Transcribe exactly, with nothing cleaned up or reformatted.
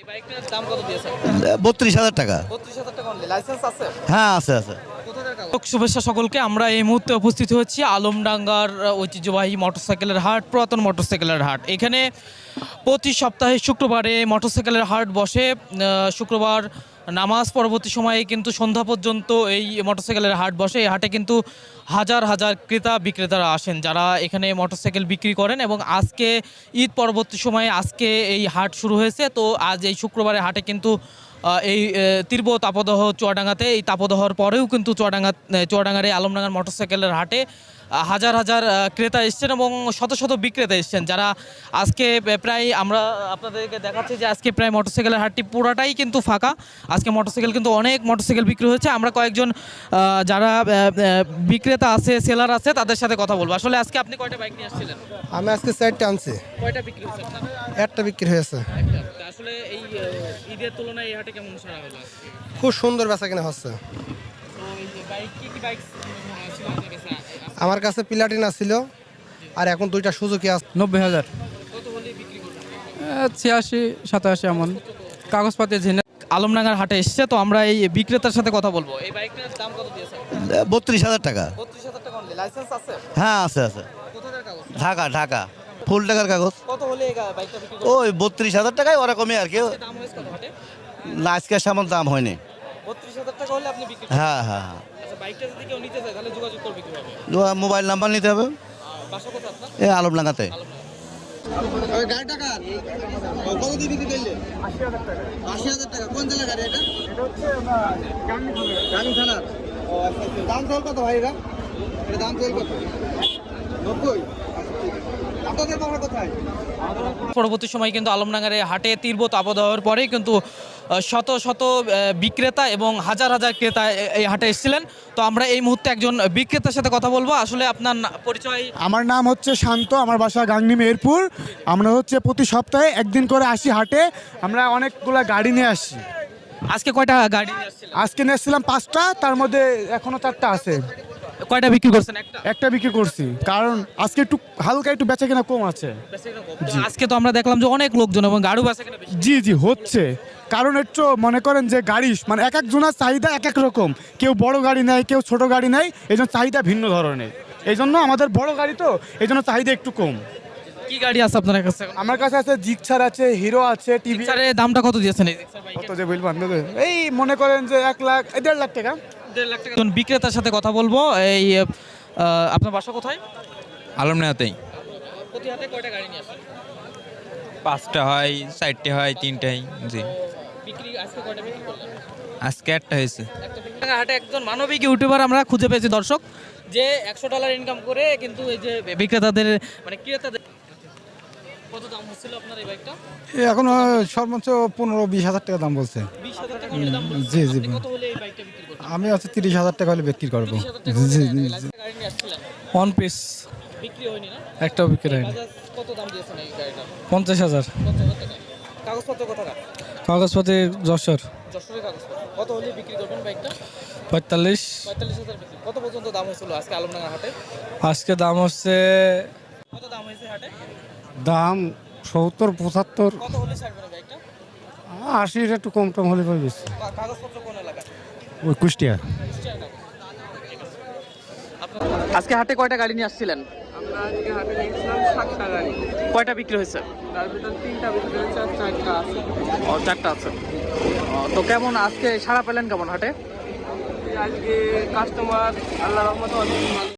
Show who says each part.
Speaker 1: এই বাইকটার দাম কত দিয়েছেন?
Speaker 2: বত্রিশ হাজার টাকা।
Speaker 1: বত্রিশ হাজার টাকা অনলি। লাইসেন্স আছে?
Speaker 2: হ্যাঁ আছে আছে।
Speaker 1: কোথাকার কাগজ? শুভেচ্ছা সকলকে। আমরা এই মুহূর্তে উপস্থিত হচ্ছি আলমডাঙ্গার ঐতিহ্যবাহী মোটরসাইকেলের হাট, পুরাতন মোটরসাইকেলের হাট। এখানে প্রতি সপ্তাহে শুক্রবারে মোটরসাইকেলের হাট বসে। আহ, শুক্রবার নামাজ পরবর্তী সময়ে কিন্তু সন্ধ্যা পর্যন্ত এই মোটরসাইকেলের হাট বসে। এই হাটে কিন্তু হাজার হাজার ক্রেতা বিক্রেতারা আসেন যারা এখানে মোটরসাইকেল বিক্রি করেন, এবং আজকে ঈদ পরবর্তী সময়ে আজকে এই হাট শুরু হয়েছে। তো আজ এই শুক্রবারে হাটে কিন্তু আহ, এই আহ, তীব্র তাপদাহ চুয়াডাঙ্গাতে, এই তাপদাহর পরেও কিন্তু চুয়াডাঙ্গা চুয়াডাঙ্গার এই আলমডাঙ্গার মোটরসাইকেলের হাটে আহ, হাজার হাজার আহ, ক্রেতা এসছেন এবং শত শত বিক্রেতা এসছেন যারা আজকে প্রায়, আমরা আপনাদেরকে দেখাচ্ছি যে আজকে প্রায় মোটরসাইকেলের হাটটি পুরাটাই কিন্তু ফাঁকা। আজকে মোটরসাইকেল কিন্তু অনেক মোটরসাইকেল বিক্রি হয়েছে। আমরা কয়েকজন আহ, যারা আহ, আহ, বিক্রেতা আছে, সেলার আছে, তাদের সাথে কথা বলবো। আসলে আজকে আপনি কয়টা বাইক নিয়ে আসছিলেন?
Speaker 3: আমি আজকে চারটে আনছি,
Speaker 1: কয়টা বিক্রি হয়েছে আপনার?
Speaker 3: একটা বিক্রি হয়েছে।
Speaker 1: একটা। তা আসলে এই আহ, ঈদের তুলনায় এই হাটে কেমন সারা হলো আজকে?
Speaker 3: খুব সুন্দর বেচা কিনা হচ্ছে।
Speaker 1: তো এই যে বাইক, কি কি বাইক ছিল আপনার কাছে?
Speaker 3: আমার কাছে প্লাটিনা ছিল, আর এখন দুইটা সুজুকি আছে।
Speaker 4: নব্বই হাজার,
Speaker 1: কত হলে বিক্রি করবেন?
Speaker 4: ছিয়াশি সাতাশি এমন কাগজপাতি ঝিনে।
Speaker 1: আলমডাঙ্গার হাটে এসছে, তো আমরা এই বিক্রেতার সাথে কথা বলবো। এই বাইকটার দাম কত দিয়েছেন?
Speaker 2: বত্রিশ হাজার টাকা।
Speaker 1: বত্রিশ হাজার টাকা অনলি। লাইসেন্স আছে?
Speaker 2: হ্যাঁ আছে আছে।
Speaker 1: কোথাকার কাগজ?
Speaker 2: ঢাকা ঢাকা ফুল টাকার কাগজ।
Speaker 1: কত হলে এই গা- বাইকটা বিক্রি করবেন?
Speaker 2: ওই বত্রিশ হাজার টাকায় ওরকমই আর কি।
Speaker 1: দাম হয়েছে কত হাটে?
Speaker 2: না আজকে সেমন দাম হয়নি।
Speaker 1: বত্রিশ হাজার টাকা হলে আপনি বিক্রি করবেন।
Speaker 2: হ্যাঁ হ্যাঁ হ্যাঁ।
Speaker 1: আচ্ছা, বাইকটা যদি কেউ নিতে চায় তাহলে যোগাযোগ করবে কিভাবে?
Speaker 2: ও, মোবাইল নাম্বার নিতে হবে।
Speaker 1: আর বাসা কোথায় আপনার?
Speaker 2: এ আলমডাঙ্গাতে।
Speaker 3: কত দিয়ে বিক্রি করলে? আশি হাজার টাকা। কোন জেলার গাড়ি এটা? গাংনী থানার। ও, আচ্ছা, আচ্ছা। দাম চল কত ভাই এটা? এটা দাম চল কত? নব্বই। আপনাদের বাসা কোথায়?
Speaker 1: পরবর্তী সময় কিন্তু আলমডাঙ্গার এই হাটে তীব্র তাপদাহের পরেই কিন্তু আহ, শত শত আহ, বিক্রেতা এবং হাজার হাজার ক্রেতা এ- এই হাটে এসেছিলেন। তো আমরা এই মুহূর্তে একজন বিক্রেতার সাথে কথা বলবো। আসলে আপনার না- পরিচয়?
Speaker 5: আমার নাম হচ্ছে শান্ত, আমার বাসা গাংনী মেহেরপুর। আমরা হচ্ছে প্রতি সপ্তাহে একদিন করে আসি হাটে। আমরা অনেকগুলা গাড়ি নিয়ে আসছি।
Speaker 1: আজকে কয়টা গাড়ি নিয়ে আসছিলেন?
Speaker 5: আজকে নিয়ে এসেছিলাম পাঁচটা, তার মধ্যে এখনো চারটা আছে।
Speaker 1: কয়টা বিক্রি করছেন? একটা।
Speaker 5: একটা বিক্রি করছি, কারণ আজকে একটু হালকা একটু বেচা কেনা কম আছে।
Speaker 1: তো আজকে তো আমরা দেখলাম যে অনেক লোকজন এবং গাড়ি বাসা কেনা বেশি।
Speaker 5: জি জি হচ্ছে, কারণ একটু মনে করেন যে গাড়ি মানে এক একজনের চাহিদা এক এক রকম। কেউ বড় গাড়ি নেয়, কেউ ছোট গাড়ি নেয়, এই জন্য চাহিদা ভিন্ন ধরনের। এই জন্য আমাদের বড় গাড়ি তো, এই জন্য চাহিদা একটু কম।
Speaker 1: কি গাড়ি আছে আপনার কাছে?
Speaker 5: আমার কাছে আছে জিক্সার আছে, হিরো আছে, টিভি।
Speaker 1: জিক্সারের দামটা কত দিয়েছেন এই জিক্সার বাইকের?
Speaker 5: কত যে বলবেন, এই মনে করেন যে এক লাখ এই দেড় লাখ টাকা।
Speaker 1: দেড় লাখ টাকা। একজন বিক্রেতার সাথে কথা বলবো। এই আহ, আপনার বাসা কোথায়?
Speaker 6: আলমডাঙ্গাতেই।
Speaker 1: প্রতি হাটে কয়টা গাড়ি নিয়ে আসেন?
Speaker 6: পাঁচটা হয়, চারটে হয়, তিনটাই। জি,
Speaker 1: বিক্রি আজকে কয়টা বিক্রি করলেন?
Speaker 6: আজকে একটা হয়েছে।
Speaker 1: একটা বিক্রি। হাটে একজন মানবিক ইউটিউবার আমরা খুঁজে পেয়েছি দর্শক, যে একশো ডলার ইনকাম করে কিন্তু এই যে বিক্রেতাদের মানে ক্রেতাদের। কত দাম হচ্ছিল আপনার এই বাইকটা?
Speaker 5: এখন সর্বোচ্চ পনেরো বিশ হাজার টাকা দাম বলছে।
Speaker 1: বিশ হাজার টাকা হলে দাম বলছে।
Speaker 5: জি, জি।
Speaker 1: আপনি কত হলে এই বাইকটা বিক্রি করবেন?
Speaker 5: আমি হচ্ছে তিরিশ হাজার টাকা হলে বিক্রি করবো।
Speaker 1: তিরিশ হাজার টাকা হলে লাইসেন্স গাড়ি নিয়ে আসছিলেন,
Speaker 4: ওয়ান পিস
Speaker 1: বিক্রি হয়নি না?
Speaker 4: একটাও বিক্রি হয়নি।
Speaker 1: বাজাজ কত দাম দিয়েছেন এই গাড়িটা?
Speaker 4: পঞ্চাশ হাজার।
Speaker 1: পঞ্চাশ হাজার টাকা। কাগজপত্র কোথাকার?
Speaker 4: কাগজপাতি যশোর।
Speaker 1: যশোরের কাগজপত্র। কত হলে বিক্রি করবেন বাইকটা?
Speaker 4: পঁয়তাল্লিশ।
Speaker 1: পঁয়তাল্লিশ হাজার বিক্রি। কত পর্যন্ত দাম হয়েছিল আজকে আলমডাঙ্গা হাটে?
Speaker 4: আজকে দাম হচ্ছে
Speaker 1: কত দাম হয়েছে হাটে?
Speaker 5: দাম সত্তর পঁচাত্তর
Speaker 1: কত হলে ছাড়বেন এই বাইকটা?
Speaker 5: আশির একটু কম টম হলে পাই বেশি।
Speaker 1: কা- কাগজপত্র কোন এলাকায়?
Speaker 5: ওই কুষ্টিয়া।
Speaker 1: আজকে হাটে কয়টা গাড়ি নিয়ে আসছিলেন?
Speaker 7: আমরা আজকে হাটে নিয়েছিলাম সাতটা গাড়ি,
Speaker 1: কয়টা বিক্রি হয়েছে?
Speaker 7: তার ভিতর তিনটা বিক্রি হয়েছে আর চারটা আছে।
Speaker 1: ও, চারটা আছে। ও, তো কেমন আজকে সাড়া পেলেন কেমন হাটে?
Speaker 7: আজকে কাস্টমার আল্লাহ রহমতে অনেক ভালো।